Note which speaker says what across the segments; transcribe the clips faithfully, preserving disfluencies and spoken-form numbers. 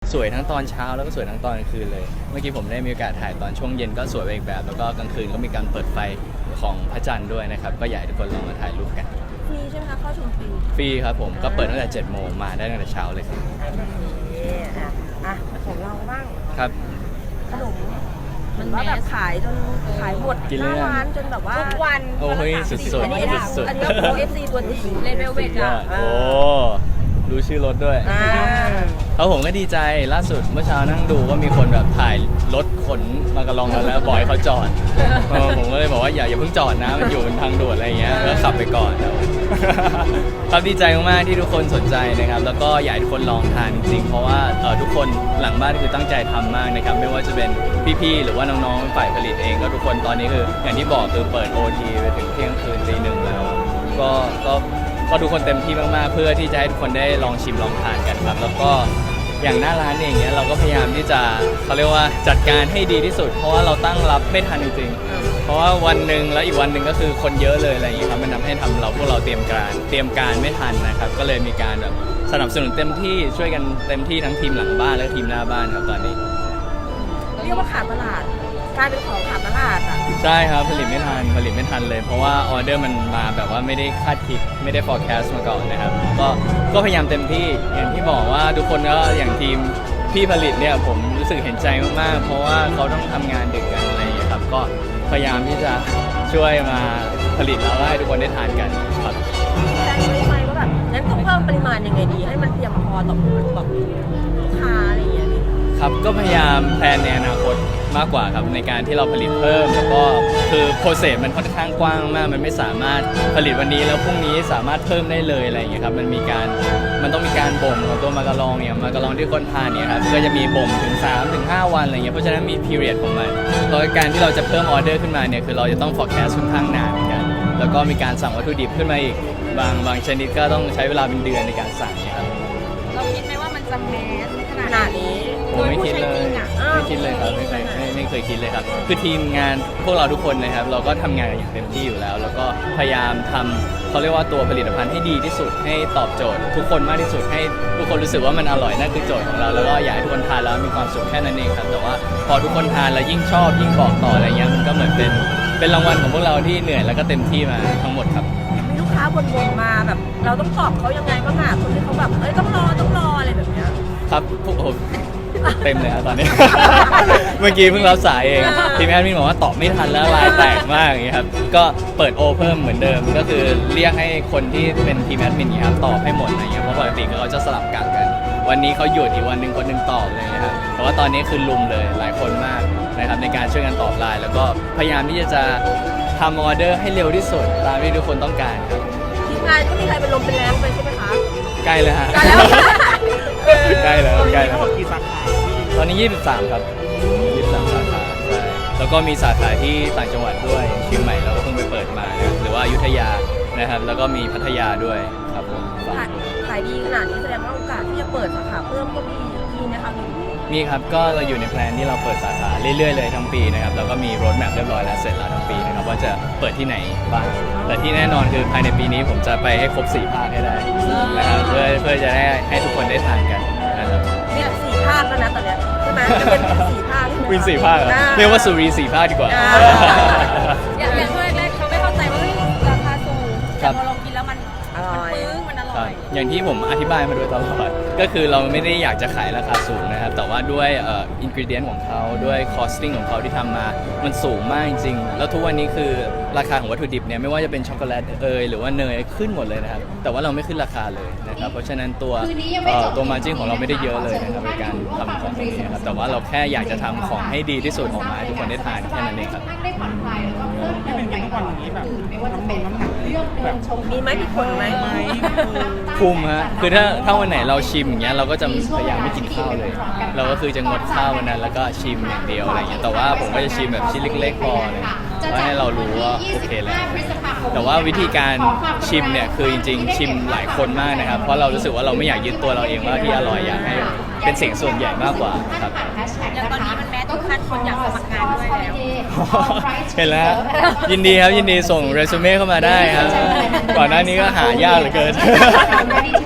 Speaker 1: สวยทั้งตอนเช้าแล้วก็สวยทั้งตอนกลางคืนเลยเมื่อกี้ผมได้มีโอกาสถ่ายตอนช่วงเย็นก็สวยไปอีกแบบแล้วก็กลางคืนก็มีการเปิดไฟของพระจันทร์ด้วยนะครับก็อยากให้ทุกคนลองมาถ่ายรูปกัน
Speaker 2: ฟรีใช่ไหมคะเข้าชมฟรี
Speaker 1: ฟรีครับผมก็เปิดตั้งแต่เจ็ดโมงมาได้ตั้งแต่เช้าเลยครับ
Speaker 2: อ่ะอ่ะของเราบ้าง
Speaker 1: ครับ
Speaker 2: ขนมมันว่าแบบขายจนขายหมดหน้าร้านจนแบบว่าทุกวัน
Speaker 1: โอ้ยสุดๆ
Speaker 2: อันนี้
Speaker 1: สุดๆ
Speaker 2: อันนี้โอเอฟซีตัวจริงเลนเวลเวทอ่ะ
Speaker 1: โอ้รู้ชื่อรถด้วยเขาผมก็ดีใจล่าสุดเมื่อเช้านั่งดูว่ามีคนแบบถ่ายรถขนมากระลองกันแล้วบอยเขาจอดผมก็เลยบอกว่าอย่าอย่าเพิ่งจอดนะมันอยู่บนทางด่วนอะไรเงี้ยแล้วขับไปก่อนครับดีใจมากๆที่ทุกคนสนใจนะครับแล้วก็อยากให้ทุกคนลองทานจริงๆเพราะว่าทุกคนหลังบ้านคือตั้งใจทำมากนะครับไม่ว่าจะเป็นพี่ๆหรือว่าน้องๆฝ่ายผลิตเองก็ทุกคนตอนนี้คืออย่างที่บอกคือเปิด โอ ที ไปถึงเที่ยงคืนตีหนึ่งแล้วก็ก็ก็ทุกคนเต็มที่มากๆเพื่อที่จะให้ทุกคนได้ลองชิมลองทานกันครับแล้วก็อย่างหน้าร้านเองเนี้ยเราก็พยายามที่จะเขาเรียกว่าจัดการให้ดีที่สุดเพราะว่าเราตั้งรับไม่ทันจริงๆเพราะว่าวันหนึ่งแล้วอีกวันหนึ่งก็คือคนเยอะเลยอะไรอย่างเงี้ยครับมันทำให้ทำเราพวกเราเตรียมการเตรียมการไม่ทันนะครับก็เลยมีการแบบสนับสนุนเต็มที่ช่วยกันเต็มที่ทั้งทีมหลังบ้านและทีมหน้าบ้านครับตอนนี้
Speaker 2: เรียกว่าขาดตลาดกลายเป็นของขาดตลาดอ่ะ
Speaker 1: ใช่ครับผลิตไม่ทันผลิตไม่ทันเลยเพราะว่าออเดอร์มันมาแบบว่าไม่ได้คาดคิดไม่ได้ forecast มาก่อนนะครับก็ก็พยายามเต็มที่อย่างที่บอกว่าทุกคนก็อย่างทีมพี่ผลิตเนี่ยผมรู้สึกเห็นใจมากๆเพราะว่าเขาต้องทำงานดึกกันอะไรอย่างเงี้ยครับก็พยายามที่จะช่วยมาผลิตแล้วให้ทุกคนได้ทานกันครับ
Speaker 2: แต่ไม่ไม่ก็แบบงั้นต้องเพิ่มปริมาณยังไงดีให้มันเพียงพอต่อแบบลูกค้าอะไรอย่างเงี้ย
Speaker 1: ครับก็พยายามแพลนในอนาคตมากกว่าครับในการที่เราผลิตเพิ่มแล้วก็คือโปรเซสมันค่อนข้างกว้างมากมันไม่สามารถผลิตวันนี้แล้วพรุ่งนี้สามารถเพิ่มได้เลยอะไรอย่างเงี้ยครับมันมีการมันต้องมีการบ่มของตัวมากะลองเนี่ยมากะลองที่คนทานเนี่ยครับก็จะมีบ่มถึง สามถึงห้า วันอะไรเงี้ยเพราะฉะนั้นมี period ของมันโดยการที่เราจะเพิ่มออเดอร์ขึ้นมาเนี่ยคือเราจะต้อง forecast ค่อนข้างนานเหมือนกันแล้วก็มีการสั่งวัตถุดิบขึ้นมาอีกบางบางชนิดก็ต้องใช้เวลาเป็นเดือนในการสั่งเนี่ยครับ
Speaker 2: เราคิดไหมว่ามันจะแมสขนาดนี้
Speaker 1: ผมไม่คิดเลยไม่คิดเลยครับไม่เคยไม่ไม่เคยคิดเลยครับคือทีมงานพวกเราทุกคนนะครับเราก็ทำงานกันอย่างเต็มที่อยู่แล้วแล้วก็พยายามทำเขาเรียกว่าตัวผลิตภัณฑ์ให้ดีที่สุดให้ตอบโจทย์ทุกคนมากที่สุดให้ทุกคนรู้สึกว่ามันอร่อยนั่นคือโจทย์ของเราแล้วก็อยากให้ทุกคนทานแล้วมีความสุขแค่นั้นเองครับแต่ว่าพอทุกคนทานแล้วยิ่งชอบยิ่งบอกต่ออะไรเงี้ยมันก็เหมือนเป็นเป็นรางวัลของพวกเราที่เหนื่อยแล้วก็เต็มที่มาทั้งหมดครับ
Speaker 2: มีลูกค้าบ่นๆมาแบบเราต้องตอบเขายังไงบ้างอ่ะคนที่เขาแบบเอ้ยต้องรอต้องรออะไรแบบเนี้ย
Speaker 1: ครับพวกผมเต็มเลยครับตอนนี้ เมื่อกี้เพิ่งรับสายเองทีมแอดมินบอกว่าตอบไม่ทันแล้วลายแตกมากอย่างเงี้ยครับก็เปิดโอเพิ่มเหมือนเดิมก็คือเรียกให้คนที่เป็นทีมแอดมินเนี่ยครับตอบให้หมดอะไรเงี้ยเพราะปกติเขาจะสลับกะกันวันนี้เขาหยุดอีกวันหนึ่งคนหนึ่งตอบเลยนะครับแต่ว่าตอนนี้คือลุมเลยหลายคนมากนะครับในการช่วยกันตอบไลน์แล้วก็พยายามที่จะทำออเดอร์ให้เร็วที่สุดตามที่ทุกคนต้องการครับ
Speaker 2: ทีมงานก็มีใครเป็นลมเป็นแรงไปใช่ไหมคะ
Speaker 1: ใกล้เลยฮะใกล้แล้วใกล้แล้วตอนนี้ยี่สิบสามครับยี่สิบสามสาขาใช่แล้วก็มีสาขาที่ต่างจังหวัดด้วยเชียงใหม่เราก็เพิ่งไปเปิดมานะหรือว่าอยุธยานะครับแล้วก็มีพัทยาด้วยครับผม
Speaker 2: ขายดีขนาดนี้แสดงว่าโอกาสที่จะเปิดสาขาเพิ่มก็มีมีนะคะ
Speaker 1: มีครับก็เราอยู่ในแพลนที่เราเปิดสาขาเรื่อยๆเลยทั้งปีนะครับแล้วก็มีโรดแมพเรียบร้อยแล้วเสร็จแล้วทั้งปีนะครับว่าจะเปิดที่ไหนบ้างแต่ที่แน่นอนคือภายในปีนี้ผมจะไปให้ครบสี่ภาคให้ได้นะครับเพื่อเพื่อจะได้ให้ทุกคนได้ทานกันนะครับ
Speaker 2: เนี่ยสี่ภาคแล้วนะตอนเนี้ยใช่ไหมจะเป็นสี่ภาค
Speaker 1: วินสี่ภาคเรียกว่าสุรีสี่ภาคดีกว่า
Speaker 2: อย่างอย่างช่วงแรกเขาไม่เข้าใจว่าราคาสูงแต่พอลองกินแล้วมันอร่อยมันอร่อย
Speaker 1: อย่างที่ผมอธิบายมาโดยตลอดก็คือเราไม่ได้อยากจะขายราคาสูงนะครับแต่ว่าด้วยเอ่ออินกรีเดียนของเขาด้วยคอสติ้งของเขาที่ทำมามันสูงมากจริงๆแล้วทุกวันนี้คือราคาของวัตถุดิบเนี่ยไม่ว่าจะเป็นช็อกโกแลตเอยหรือว่าเนยขึ้นหมดเลยนะครับแต่ว่าเราไม่ขึ้นราคาเลยนะครับเพราะฉะนั้นตัวตัวมาร์จิ้นของเราไม่ได้เยอะเลยนะครับในการทำของนี้นะครับแต่ว่าเราแค่อยากจะทำของให้ดีที่สุดออกมาให้ทุกคนได้ทานแค่นั้นเองครับ
Speaker 3: ที่เป็นอย่างวันนี้แบบไม่ว่าจะเป็นน้ำหนักเรื่อง
Speaker 2: แบบชมมีไหมมีคนไหม
Speaker 1: คุมฮะคือถ้าถ้าวันไหนเราชิมอย่างเงี้ยเราก็จะพยายามไม่กินข้าวเลยเราก็คือจะงดข้าววันนั้นแล้วก็ชิมอย่างเดียวอะไรเงี้ยแต่ว่าผมก็จะชิมแบบชิ้นเล็กๆพอเลยเพื่อให้เรารู้ว่าโอเคแล้วแต่ว่าวิธีการชิมเนี่ยคือจริงๆชิมหลายคนมากนะครับเพราะเรารู้สึกว่าเราไม่อยากยึดตัวเราเองว่าที่อร่อยอยากให้เป็นเสียงส่วนใหญ่มากกว่าครับ
Speaker 2: อย่างตอนนี้มันแม้ทุกขั้นคนอยากสมัครงานด้วยแล้ว
Speaker 1: เห็นแล้วยินดีครับยินดีส่งเรซูเม่เข้ามาได้ครับก่อนหน้านี้ก็หายากเหลือเกิน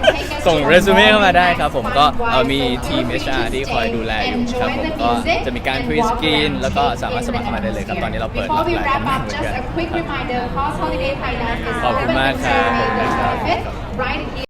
Speaker 1: ส่งเรซูเม่เข้ามาได้ครับผมก็เอ่อมีทีม เอช อาร์ ที่คอยดูแลอยู่ครับผมก็จะมีการพรีสกรีนแล้วก็สามารถสมัครเข้ามาได้เลยครับตอนนี้เราเปิดรับหลายตำแหน่งเหมือนกัน
Speaker 4: just a quick reminder, Cost Holiday Thailand is
Speaker 1: ขอบคุณมากครับขอบคุณครับ
Speaker 4: right here.